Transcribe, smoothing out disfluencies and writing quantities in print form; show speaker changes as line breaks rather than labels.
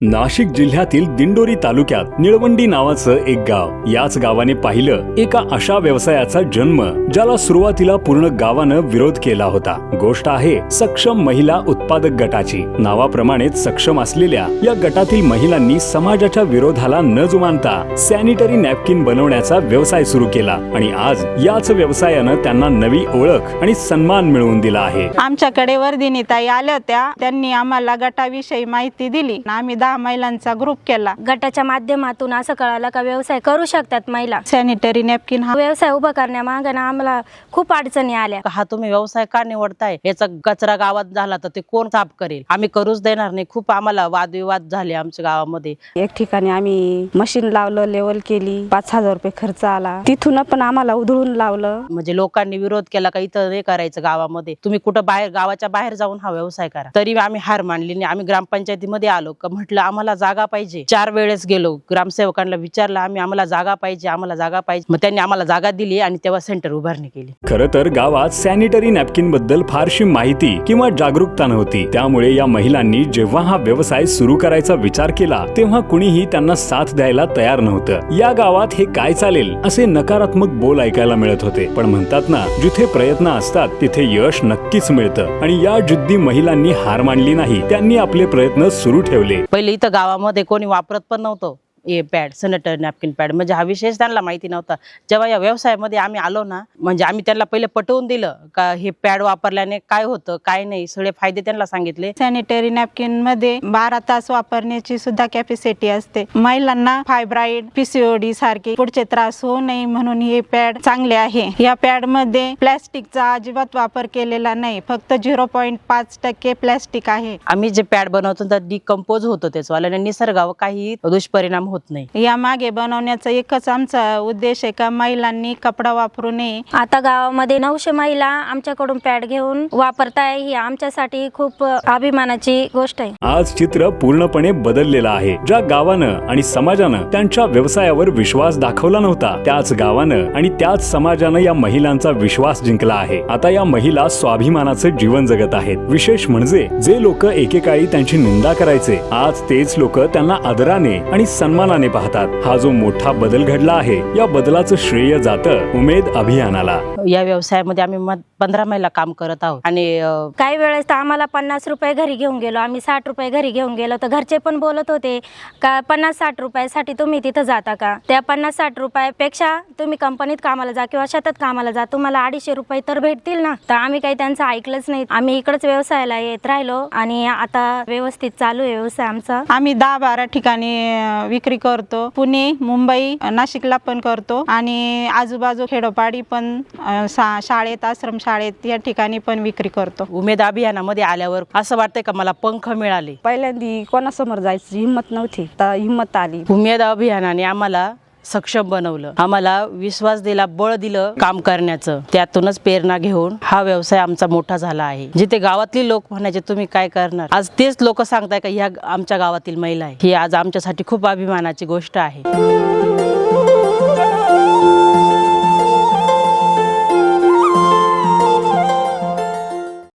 नाशिक जिल्ह्यातील दिंडोरी तालुक्यात निळवंडी नावाचं एक गाव. याच गावाने पाहिलं एका अशा व्यवसायाचा जन्म ज्याला सुरुवातीला पूर्ण गावानं विरोध केला होता. गोष्ट आहे सक्षम महिला उत्पादक गटाची. नावाप्रमाणेच सक्षम असलेल्या या गटातील महिलांनी समाजाच्या विरोधाला न जुमानता सॅनिटरी नॅपकिन बनवण्याचा व्यवसाय सुरू केला आणि आज याच व्यवसायानं त्यांना नवी ओळख आणि सन्मान मिळवून दिला आहे.
आमच्याकडे वर्धिनीताई आल्या होत्या, त्यांनी आम्हाला गटाविषयी माहिती दिली. आम्ही 10 महिलांचा ग्रुप केला.
गटाच्या माध्यमातून असं कळालं का व्यवसाय करू शकतात महिला.
सॅनिटरी नॅपकिन हा
व्यवसाय उभा करण्यामागे ना आम्हाला खूप अडचणी आल्या.
हा तुम्ही व्यवसाय का निवडताय, याचा कचरा गावात झाला तर ते कोण साफ करेल, आम्ही करूच देणार नाही. खूप आम्हाला वादविवाद झाले आमच्या गावामध्ये.
एक ठिकाणी आम्ही मशीन लावलं, लेवल केली, 5,000 रुपये खर्च आला. तिथून पण आम्हाला उधळून लावलं.
म्हणजे लोकांनी विरोध केला का इथं नाही करायचं गावामध्ये, तुम्ही कुठं बाहेर गावाच्या बाहेर जाऊन हा व्यवसाय करा. तरी आम्ही हार मानली नाही. आम्ही ग्रामपंचायतीमध्ये आलो का म्हटलं आम्हाला जागा पाहिजे. 4 वेळेस गेलो, ग्रामसेवकांना विचारलं आम्ही, आम्हाला जागा पाहिजे, आम्हाला जागा पाहिजे. मग त्यांनी आम्हाला जागा दिली आणि तेव्हा सेंटर उभारणी केली.
खरं तर गावात सॅनिटरी नॅपकिन बद्दल फारशी माहिती किंवा जागरूकता नव्हती. त्यामुळे या महिलांनी जेव्हा हा व्यवसाय सुरू करायचा विचार केला तेव्हा कुणीही त्यांना साथ द्यायला तयार नव्हतं. या गावात हे काय चालेल असे नकारात्मक बोल ऐकायला मिळत होते. पण म्हणतात ना, जिथे प्रयत्न असतात तिथे यश नक्कीच मिळतं. आणि या जिद्दी महिलांनी हार मानली नाही. त्यांनी आपले प्रयत्न सुरू ठेवले.
पहिले इथं गावामध्ये कोणी वापरत पण नव्हतं हे पॅड, सॅनिटरी नॅपकिन पॅड. म्हणजे हा विशेष त्यांना माहिती नव्हता. जेव्हा या व्यवसायामध्ये आम्ही आलो ना, म्हणजे आम्ही त्यांना पहिले पटवून दिलं का हे पॅड वापरल्याने काय होतं काय नाही, सगळे फायदे त्यांना सांगितले.
सॅनिटरी नॅपकिन मध्ये 12 तास वापरण्याची सुद्धा कॅपॅसिटी असते. महिलांना फायब्रॉइड, PCOD सारखे पुढचे त्रास होऊ नये म्हणून हे पॅड चांगले आहे. या पॅड मध्ये प्लॅस्टिकचा अजिबात वापर केलेला नाही. फक्त 0.5% प्लॅस्टिक आहे.
आम्ही जे पॅड बनवतो तर डिकम्पोज होतो त्याच्यावाल्याने, निसर्गावर काही दुष्परिणाम होत नाही.
या मागे बनवण्याचा एकच आमचा उद्देश आहे का महिलांनी कपडा वापरू नये.
आता गावामध्ये 900 महिला आमच्याकडून पॅड घेऊन वापरताय. ही आमच्यासाठी खूप अभिमानाची गोष्ट आहे.
आज चित्र पूर्णपणे बदललेलं आहे. ज्या गावानं आणि समाजानं त्यांच्या व्यवसायावर विश्वास दाखवला नव्हता, त्याच गावानं आणि त्याच समाजानं या महिलांचा विश्वास जिंकला आहे. आता या महिला स्वाभिमानाचं जीवन जगत आहेत. विशेष म्हणजे जे लोक एकेकाळी त्यांची निंदा करायचे, आज तेच लोक त्यांना आदराने आणि सन्मानाने पाहतात. हा जो मोठा बदल घडला आहे, या बदलाचं श्रेय जातं उमेद अभियानाला.
या व्यवसायामध्ये आम्ही 15 महिला काम करत आहोत. आणि
काही वेळेस तर आम्हाला 50 रुपये घरी घेऊन गेलो, आम्ही 60 रुपये घरी घेऊन गेलो तर घरचे पण बोलत होते का 50-60 रुपयासाठी तुम्ही तिथं जाता का, त्या 50-60 रुपयापेक्षा तुम्ही कंपनीत कामाला जा किंवा शेतात कामाला जा, तुम्हाला 250 रुपये तर भेटतील ना. तर आम्ही काही त्यांचं ऐकलंच नाही. आम्ही इकडच व्यवसायाला येत राहिलो आणि आता व्यवस्थित चालू आहे व्यवसाय आमचा.
आम्ही 10-12 ठिकाणी विक्री करतो. पुणे, मुंबई, नाशिकला पण करतो आणि आजूबाजू खेडोपाडी पण शाळेत, आश्रम शाळेत या ठिकाणी पण विक्री करतो.
उमेद अभियानामध्ये आल्यावर असं वाटतंय का मला पंख मिळाले.
पहिल्यांदा कोणासमोर जायची हिंमत नव्हती, तर हिंमत आली.
उमेद अभियानाने आम्हाला सक्षम बनवलं, आम्हाला विश्वास दिला, बळ दिलं काम करण्याचं. त्यातूनच प्रेरणा घेऊन हा व्यवसाय आमचा मोठा झाला आहे. जिथे गावातली लोक म्हणायचे तुम्ही काय करणार, आज तेच लोक सांगताय का ह्या आमच्या गावातील महिला आहे. ही आज आमच्यासाठी खूप अभिमानाची गोष्ट आहे.